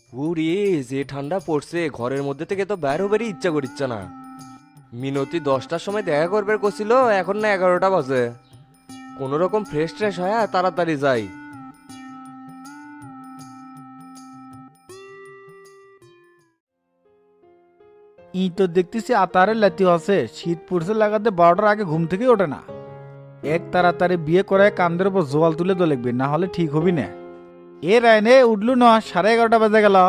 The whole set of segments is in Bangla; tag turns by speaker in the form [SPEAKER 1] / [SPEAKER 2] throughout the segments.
[SPEAKER 1] উরে, যে ঠান্ডা পড়ছে ঘরের মধ্যে থেকে তো বের হবারই ইচ্ছা করিচ্ছে না। মিনতি 10টার সময় দেখা করবে কছিল, এখন না 11টা বাজে। কোন রকম ফ্রেশ ট্রেশ হয় তাড়াতাড়ি যাই।
[SPEAKER 2] ই তো দেখতেছি আতারের লাতি আছে, শীত পড়ছে লাগাতে 12টার আগে ঘুম থেকে ওঠে না। এক তাড়াতাড়ি বিয়ে করে কান্দের উপর জোয়াল তুলে তো লিখবি, না হলে ঠিক হবি না। এ রায়নে উঠলু না, 11:30 বাজে গেল।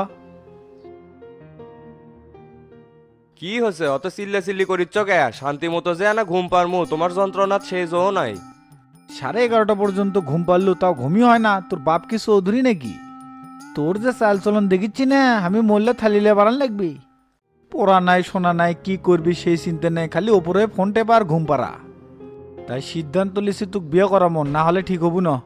[SPEAKER 1] কি হচ্ছে অত চিল্লা চিল্লি করিচ্ছ কে? শান্তি মতো যে না ঘুম পারমু, তোমার যন্ত্রণা সেই জো নাই।
[SPEAKER 2] 11:30 পর্যন্ত ঘুম পারলু, তাও ঘুমই হয় না? তোর বাপ কি চৌধুরী নাকি? তোর যে চাল চলন দেখিচ্ছি না, আমি মরলে থালিলে বাড়ান লাগবি। পড়া নাই শোনা নাই, কি করবি সেই চিন্তা নেই, খালি ওপরে ফোন টেপা আর ঘুম পাড়া। তাই সিদ্ধান্ত লিছি তোকে বিয়ে করা মন, না হলে ঠিক হবু না।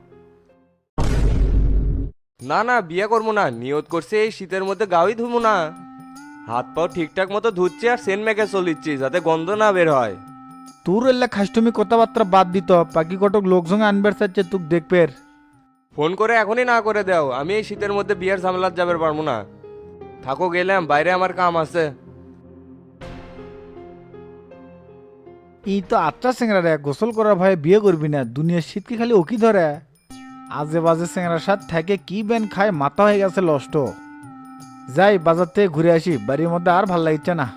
[SPEAKER 1] না না, বিয়ে করবো না, নিয়ত করছে এই শীতের মধ্যে গাওই ধুমু না। হাত পাও ঠিকঠাক মতো ধুচ্ছি আর সেন মেখে চলিচ্ছি যাতে গন্ধ না বের হয়।
[SPEAKER 2] তোর এলে খাষ্টমি কথাবার্তা বাদ দিত, পাখি কটক লোকজন আনবার চাচ্ছে তুক দেখবের।
[SPEAKER 1] ফোন করে এখনই না করে দাও, আমি এই শীতের মধ্যে বিয়ের ঝামেলার যাবে পারবো না। থাকো, গেলাম, বাইরে আমার কাম আছে।
[SPEAKER 2] এই তো আচ্ছা চেংরা রে, গোসল করার ভয়ে বিয়ে করবি না? দুনিয়ার শীত কি খালি ওকি ধরে? আজে বাজে চেংরার সাথে থাকে কি বেন খায়, মাথা হয়ে গেছে নষ্ট। যাই বাজার থেকে ঘুরে আসি, বাড়ির মধ্যে আর ভাল লাগছে না।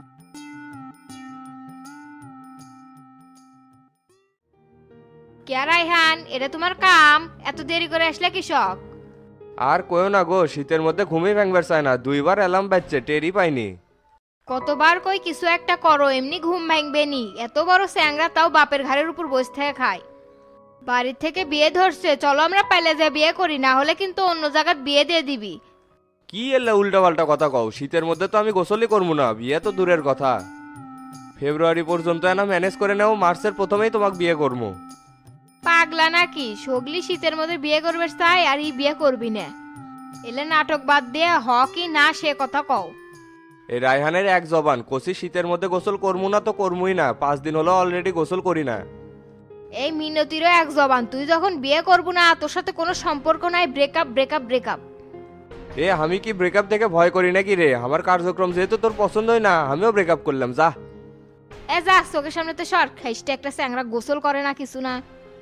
[SPEAKER 3] কে রাইহান, এটা তোমার কাম? এত দেরি করে আসলে কৃষক?
[SPEAKER 1] আর কয়ও না গো, শীতের মধ্যে ঘুমিয়ে ভাঙবার চায় না, 2বার অ্যালার্ম বাজছে, টেরই পাইনি।
[SPEAKER 3] কতবার কই কিছু একটা করো, এমনি ঘুম ভাঙবে নি? এত বড় স্যাংরা তাও বাপের ঘাড়ের উপর বসে থেকে খায়। বাড়ির থেকে বিয়ে ধরছে, চলো আমরা পাইলে যা বিয়ে করি, না হলে কিন্তু অন্য জায়গায় বিয়ে দিয়ে দিবি।
[SPEAKER 1] কি এলে উল্টা পাল্টা কথা কও? শীতের মধ্যে তো আমি গোসলই করবো না, বিয়ে তো দূরের কথা। ফেব্রুয়ারি পর্যন্ত না ম্যানেজ করে নাও, মার্চের প্রথমেই তোমাকে বিয়ে করবো।
[SPEAKER 3] পাগলা নাকি? সগলি শীতের মধ্যে বিয়ে করবে চাই আর ই বিয়ে করবি না? এলে নাটক বাদ দিয়ে হ কি না সে কথা কও।
[SPEAKER 1] এই রায়হানের এক জবান, কষি শীতের মধ্যে গোসল করবো না তো করবই না, 5 দিন হলো অলরেডি গোসল করি না।
[SPEAKER 3] এই মিনতিরও এক জবান, তুই যখন বিয়ে করবো না তোর সাথে কোনো সম্পর্ক নাই, ব্রেকআপ ব্রেকআপ ব্রেকআপ।
[SPEAKER 1] এ আমি কি ব্রেকআপ থেকে ভয় করি নাকি রে? আমার কার্যক্রম যেহেতু তোর পছন্দই না, আমিও ব্রেকআপ করলাম, যা।
[SPEAKER 3] এ যা, চোখের সামনে তো সর, খাইসটা একটা স্যাংরা গোসল করে না কিছু না।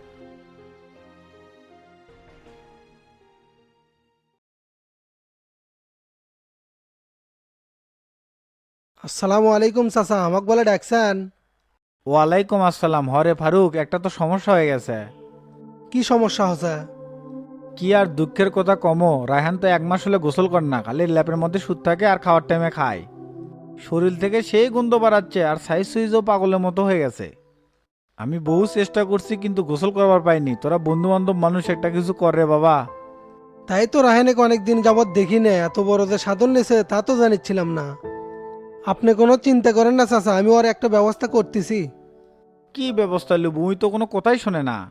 [SPEAKER 4] আসসালামু আলাইকুম চাচা, আমাকে বলে ডাকছেন?
[SPEAKER 2] ওয়ালাইকুম আসসালাম। হরে ফারুক, একটা তো সমস্যা হয়ে গেছে।
[SPEAKER 4] কি সমস্যা হচ্ছে?
[SPEAKER 2] কি আর দুঃখের কথা কমো, রায়হান তো 1 মাস হলে গোসল করে না, খালি ল্যাপের মধ্যে সুদ থাকে আর খাওয়ার টাইমে খায়। শরীর থেকে সেই গন্ধ বাড়াচ্ছে আর সাইজ সুইজও পাগলের মতো হয়ে গেছে। আমি বহু চেষ্টা করছি কিন্তু গোসল করবার পাইনি। তোরা বন্ধু বান্ধব মানুষ, একটা কিছু কর রে বাবা।
[SPEAKER 4] তাই তো রাহেনেকে অনেকদিন যাবৎ দেখি না, এত বড় যে সাধন নিছে তা তো জানিচ্ছিলাম না। আপনি কোনো চিন্তা করেন না চাচা, আমি ওর একটা ব্যবস্থা করতেছি।
[SPEAKER 2] কি ব্যবস্থা লুব? উই তো কোনো কথাই শোনে না।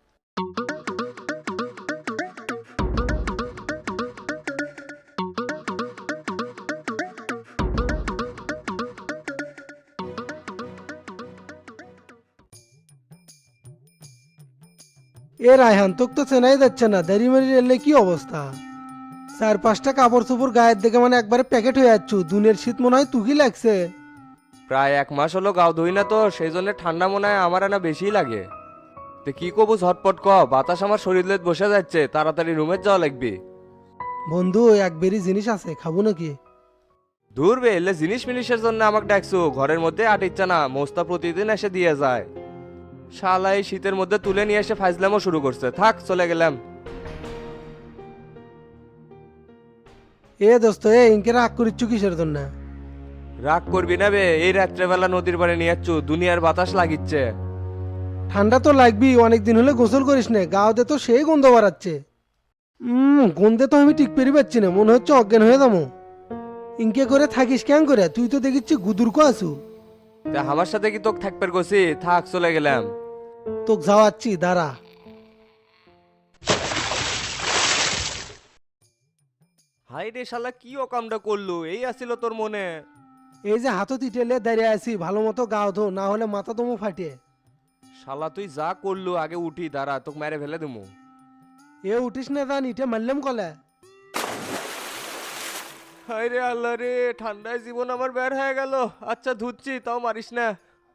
[SPEAKER 4] এ রায়হান, তোকে তো চেনাই যাচ্ছে না, দেরি মেরি এলে কি অবস্থা? 4-5টা কাপড় চোপড় গায়ের দেখে মানে একবারে প্যাকেট হয়ে যাচ্ছ, দুনের শীত মনে হয় তুকি লাগছে।
[SPEAKER 1] প্রায় 1 মাস হলো গাও ধুই না তো, সেই জন্য ঠান্ডা মনে হয় আমার না বেশি লাগে। তো কি কবু ঝটপট ক, বাতাস আমার শরীরে বসে যাচ্ছে, তাড়াতাড়ি রুমে যাওয়া লাগবে।
[SPEAKER 4] বন্ধু, এক বেরি জিনিস আছে, খাবো নাকি?
[SPEAKER 1] দূর বে, এলে জিনিস মিনিসের জন্য আমাকে ডাকছো? ঘরের মধ্যে আটিচ্ছে না, মোস্তা প্রতিদিন এসে দিয়ে যায়। শালা এই শীতের মধ্যে তুলে নিয়ে এসে ফাইজলামও শুরু করছে, থাক চলে গেলাম।
[SPEAKER 4] এ দোস্ত, ইনকে রাগ করিচ্ছ কিসের জন্য?
[SPEAKER 1] রাগ করবি না বে, এই রাত্রেবেলা নদীর পাড়ে নিয়ে যাচ্ছ, দুনিয়ার বাতাস লাগিচ্ছে।
[SPEAKER 4] ঠান্ডা তো লাগবি, অনেকদিন হলে গোসল করিস না, গাওতে তো সেই গন্ধ বাড়াচ্ছে। গন্ধে তো আমি ঠিক পেরে পাচ্ছি না, মনে হচ্ছে অজ্ঞান হয়ে যাবো। ইনকে করে থাকিস কেন করে? তুই তো দেখিচ্ছি গুদুরকো আছু।
[SPEAKER 1] তা আমার সাথে কি তোকে থাকবে গছি? থাক চলে গেলাম।
[SPEAKER 4] তোকে যাওয়াচ্ছি, দাঁড়া।
[SPEAKER 1] হাই রে শালা, কি অকামটা করলো? এই আসিল তোর মনে?
[SPEAKER 4] এই যে হাতত ইটেলে দাঁড়িয়ে আছি, ভালো মতো গাও ধো, না হলে মাথা দমো ফাটিয়ে।
[SPEAKER 1] শালা তুই যা করলু, আগে উঠি দাঁড়া, তোকে মেরে ফেলে দেবো।
[SPEAKER 4] এ উঠিস না, জান ইটে মারলাম কলে।
[SPEAKER 1] হায় রে আল্লাহ রে, ঠান্ডায় জীবন আমার বের হয়ে গেল। আচ্ছা ধুচ্ছি, তাও মারিস না।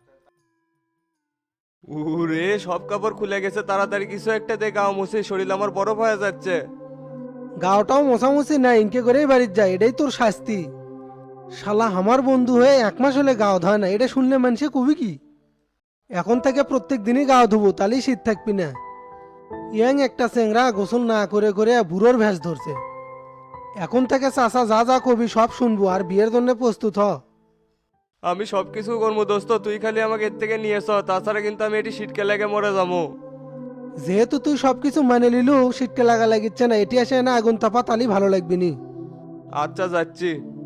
[SPEAKER 1] উরে সব কাপড় খুলে গেছে, তাড়াতাড়ি কিছু একটা দে, গাও মুছে, শরীর আমার বরফ হয়ে যাচ্ছে।
[SPEAKER 4] গাওটাও মোছামুছি না, ইনকে করেই বাড়ির যায়, এটাই তোর শাস্তি। শালা আমার বন্ধু হয়ে 1 মাস হলে গাও ধয় না, এটা শুনলে মানুষে কবি কি? এখন থেকে প্রত্যেক দিনই গাও ধুবো, তাহলেই শীত থাকবি না। ইয়াং একটা চেংরা গোসল না করে করে বুড়োর ভ্যাস ধরছে। এখন থেকে চাচা যা যা কবি সব শুনবো, আর বিয়ের জন্য প্রস্তুত হ।
[SPEAKER 1] আমি সব কিছু করবো দোস্ত, তুই খালি আমাকে এর থেকে নিয়েছ, তাছাড়া কিন্তু আমি এটি শীতকে লেগে মরে যাবো।
[SPEAKER 4] যেহেতু তুই সবকিছু মানে নিলু, শীতকে লাগা লাগিচ্ছে না, এটি আসে না আগুন তাপা, তালি ভালো লাগবি নি।
[SPEAKER 1] আচ্ছা যাচ্ছি।